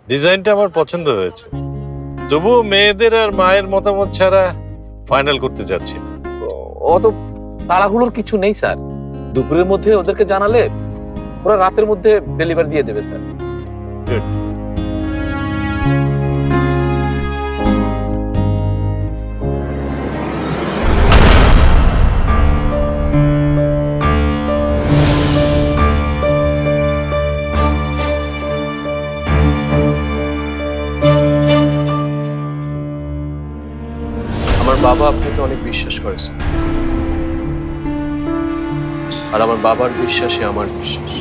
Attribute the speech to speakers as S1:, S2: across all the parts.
S1: ডিজাইনটা আমার পছন্দ হয়েছে, তবুও মেয়েদের আর মায়ের মতামত ছাড়া ফাইনাল করতে যাচ্ছি না।
S2: অত তাড়াহুড়োর কিছু নেই স্যার, দুপুরের মধ্যে ওদেরকে জানালে ওরা রাতের মধ্যে ডেলিভারি দিয়ে দেবে স্যার।
S1: Good.
S3: আমার বাবা আপনাকে অনেক বিশ্বাস করেছে, আর আমার বাবার বিশ্বাসই আমার বিশ্বাস।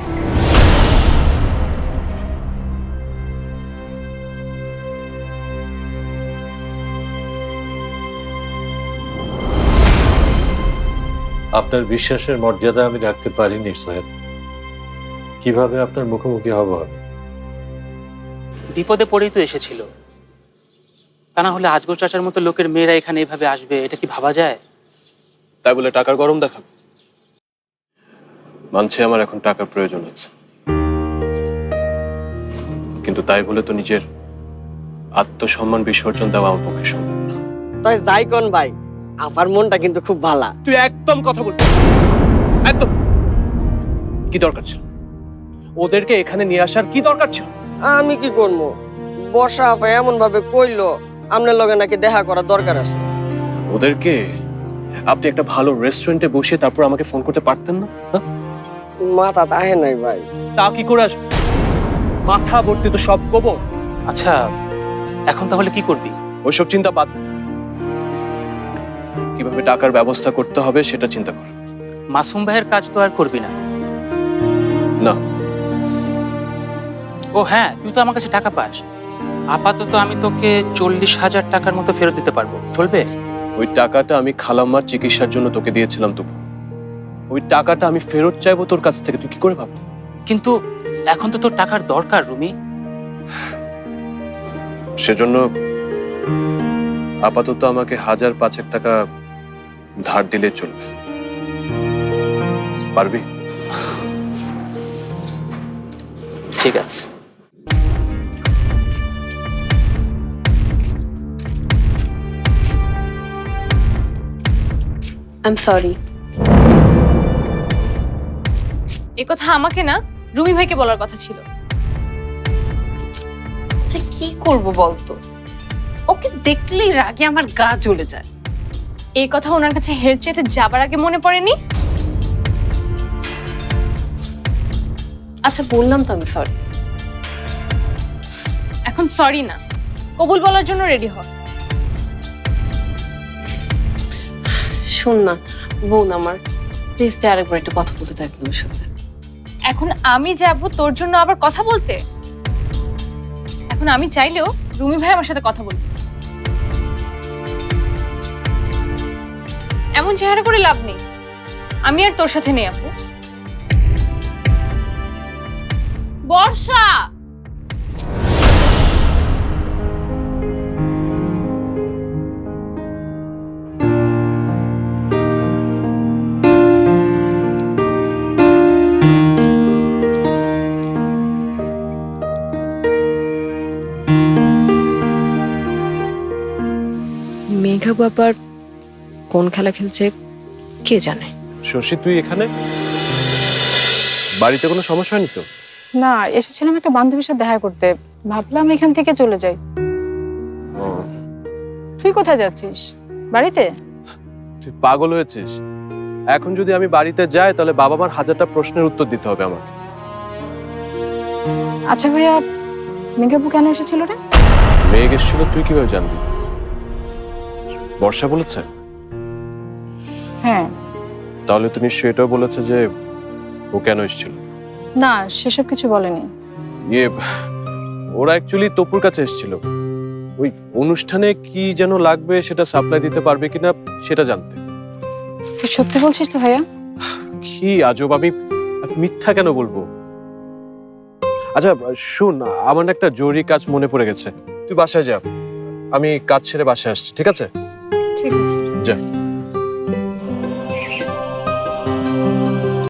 S1: আপনার বিশ্বাসের মর্যাদা আমি রাখতে পারিনি সাহেব। কিভাবে আপনার মুখোমুখি হব আমি?
S4: বিপদে পড়েই তো এসেছিল, তা না হলে আজগর চাচার মতো লোকের মেয়েরা এখানে এভাবে আসবে এটা কি ভাবা যায়?
S3: তাই বলে টাকার গরম দেখাবে? মানছে আমার এখন টাকার প্রয়োজন আছে, কিন্তু তাই বলে তো নিজের আত্মসম্মান বিসর্জন দেওয়া আমার পক্ষে সম্ভব না।
S5: তাই যাই কোন ভাই, আপার মনটা কিন্তু খুব ভালা।
S3: তুই একদম কথা বলবি একদম। কি দরকার ছিল ওদেরকে এখানে নিয়ে আসার? কি দরকার ছিল?
S5: আমি কি করবো, বর্ষা আপা এমন ভাবে কইলো আপনার লগে নাকি দেখা করার দরকার আছে।
S3: ওদেরকে আপনি একটা ভালো রেস্টুরেন্টে বসে তারপর আমাকে ফোন করতে পারতেন না? হ্যাঁ?
S5: মাথা তাহে নাই ভাই।
S3: তা কি করে আসবে? মাথা ভর্তি তো সব গোবর।
S4: আচ্ছা, এখন তাহলে কি করবি?
S3: ওইসব চিন্তা বাদ দে। কিভাবে টাকার ব্যবস্থা করতে হবে সেটা চিন্তা কর।
S4: মাসুম ভাইয়ের কাজ তো আর করবি না?
S3: না।
S4: ও হ্যাঁ, তুই তো আমার কাছে টাকা পাস। আপাতত আমি তোকে 40,000 টাকার মতো ফেরত দিতে পারবো, চলবে?
S3: ওই টাকাটা আমি খালাম্মার চিকিৎসার জন্য তোকে দিয়েছিলাম, তবু ওই টাকাটা আমি ফেরত চাইবো তোর কাছ থেকে, তুই কি করে ভাবলি?
S4: কিন্তু এখন তো তোর টাকার দরকার রুমি।
S3: সেজন্য আপাতত আমাকে 1,000-5,000 টাকা ধার দিলে চলবে। পারবি?
S4: ঠিক আছে।
S6: I am sorry.
S7: এ কথা আমাকে না, রুমি ভাইকে বলার কথা ছিল।
S6: আচ্ছা কি করব বলতো, ওকে দেখলেই রাগে আমার গা জ্বলে যায়।
S7: এই কথা ওনার কাছে হেল্প চাইতে যাবার আগে মনে পড়েনি?
S6: আচ্ছা বললাম তো আমি সরি।
S7: এখন সরি না, কবুল বলার জন্য রেডি হ।
S6: শোন না বোন আমার, প্লিজ আরেকবার একটু কথা বলতে থাক আমার সাথে।
S7: এখন আমি যাব তোর জন্য আবার কথা বলতে? এখন আমি চাইলেও রুমি ভাই আমার সাথে কথা বলবে। এমন চেহারা করে লাভ নেই, আমি আর তোর সাথে নেই আপু। বর্ষা,
S6: মেঘা বাবার কোন খেলা খেলছে কে জানে।
S3: শশী, তুই এখানে? বাড়িতে কোনো সমস্যা হয়নি তো?
S8: না, এসেছিলাম একটা বান্ধবীর সাথে দেখা করতে, ভাবলাম এখান থেকে চলে যাই। তুই কোথায় যাচ্ছিস? বাড়িতে?
S3: তুই পাগল হয়েছিস? এখন যদি আমি বাড়িতে যাই তাহলে বাবা মার 1000টা প্রশ্নের উত্তর দিতে হবে আমার।
S8: আচ্ছা ভাইয়া, মেঘাপু কেন এসেছিল রে?
S3: মেঘ এসেছিল তুই কিভাবে জানবি? বর্ষা বলেছে?
S8: হ্যাঁ।
S3: তাহলে তো নিশ্চয়ই এটাও বলেছে যে ও কেন এসেছিল।
S8: না, সেসব কিছু বলেনি।
S3: ইয়ে, ওরা অ্যাকচুয়ালি তপুর কাছে এসেছিল ওই অনুষ্ঠানে কি যেন লাগবে সেটা সাপ্লাই দিতে পারবে কিনা সেটা জানতে।
S8: তুই সত্যি বলছিস তো ভাইয়া?
S3: কি আজব, আমি মিথ্যা কেন বলবো? আচ্ছা শুন, আমার না একটা জরুরি কাজ মনে পড়ে গেছে, তুই বাসায় যা, আমি কাজ ছেড়ে বাসায় আসছি, ঠিক আছে?
S8: ঠিক আছে।
S3: যা।